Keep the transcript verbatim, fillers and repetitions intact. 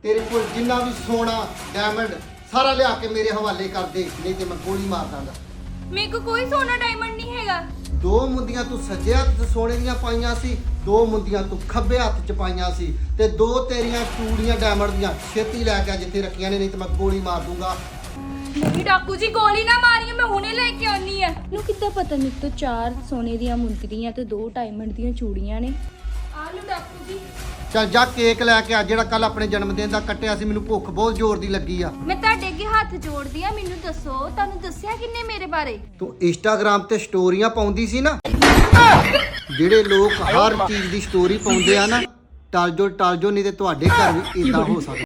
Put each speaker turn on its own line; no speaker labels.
ਤੇਰੇ ਕੋਲ ਜਿੰਨਾ ਵੀ ਸੋਨਾ ਡਾਇਮੰਡ ਸਾਰਾ ਲਿਆ ਕੇ ਮੇਰੇ ਹਵਾਲੇ ਕਰ ਦੇ, ਨਹੀਂ ਤੇ ਮੈਂ ਗੋਲੀ ਮਾਰ ਦਾਂਗਾ।
ਮੇਰੇ ਕੋਲ ਕੋਈ ਸੋਨਾ ਡਾਇਮੰਡ ਨਹੀਂ ਹੈਗਾ।
ਦੋ ਮੁੰਦੀਆਂ ਤੂੰ ਸੱਜੇ ਹੱਥ 'ਚ ਸੋਨੇ ਦੀਆਂ ਪਾਈਆਂ ਸੀ, ਦੋ ਮੁੰਦੀਆਂ ਤੂੰ ਖੱਬੇ ਹੱਥ 'ਚ ਪਾਈਆਂ ਸੀ, ਤੇ ਦੋ ਤੇਰੀਆਂ ਚੂੜੀਆਂ ਡਾਇਮੰਡ ਦੀਆਂ ਛੇਤੀ ਲੈ ਕੇ ਆ ਜਿੱਥੇ ਰੱਖੀਆਂ ਨੇ, ਨਹੀਂ ਤੇ ਮੈਂ ਗੋਲੀ ਮਾਰ ਦੂੰਗਾ।
ਨਹੀਂ ਡਾਕੂ ਜੀ, ਗੋਲੀ ਨਾ ਮਾਰੀਓ, ਮੈਂ ਹੁਣੇ ਲੈ ਕੇ ਆਉਣੀ ਆ।
ਨੂੰ ਕਿੱਦਾਂ ਪਤਾ ਮੇਰੇ ਤੋਂ ਚਾਰ ਸੋਨੇ ਦੀਆਂ ਮੁੰਦਰੀਆਂ ਤੇ ਦੋ ਡਾਇਮੰਡ ਦੀਆਂ ਚੂੜੀਆਂ ਨੇ?
ਆ ਲਓ ਡਾਕੂ ਜੀ।
ਚੱਲ ਜਾ ਕੇਕ ਲੈ ਕੇ ਆ ਜਿਹੜਾ ਕੱਲ ਆਪਣੇ ਜਨਮ ਦਿਨ ਦਾ ਕੱਟਿਆ ਸੀ, ਮੈਨੂੰ ਭੁੱਖ ਬਹੁਤ ਜ਼ੋਰ ਦੀ ਲੱਗੀ ਆ।
ਮੈਂ ਤੁਹਾਡੇ ਅੱਗੇ ਹੱਥ ਜੋੜਦੀ ਆ, ਮੈਨੂੰ ਦੱਸੋ ਤੁਹਾਨੂੰ ਦੱਸਿਆ ਕਿੰਨੇ ਮੇਰੇ ਬਾਰੇ?
ਤੂੰ ਇੰਸਟਾਗ੍ਰਾਮ ਤੇ ਸਟੋਰੀਆਂ ਪਾਉਂਦੀ ਸੀ ਨਾ, ਜਿਹੜੇ ਲੋਕ ਹਰ ਚੀਜ਼ ਦੀ ਸਟੋਰੀ ਪਾਉਂਦੇ ਆ ਨਾ, ਟਲ ਜੋ ਟਲ ਜੋ, ਨਹੀਂ ਤੇ ਤੁਹਾਡੇ ਘਰ ਵੀ ਇਦਾਂ ਹੋ ਸਕਦਾ।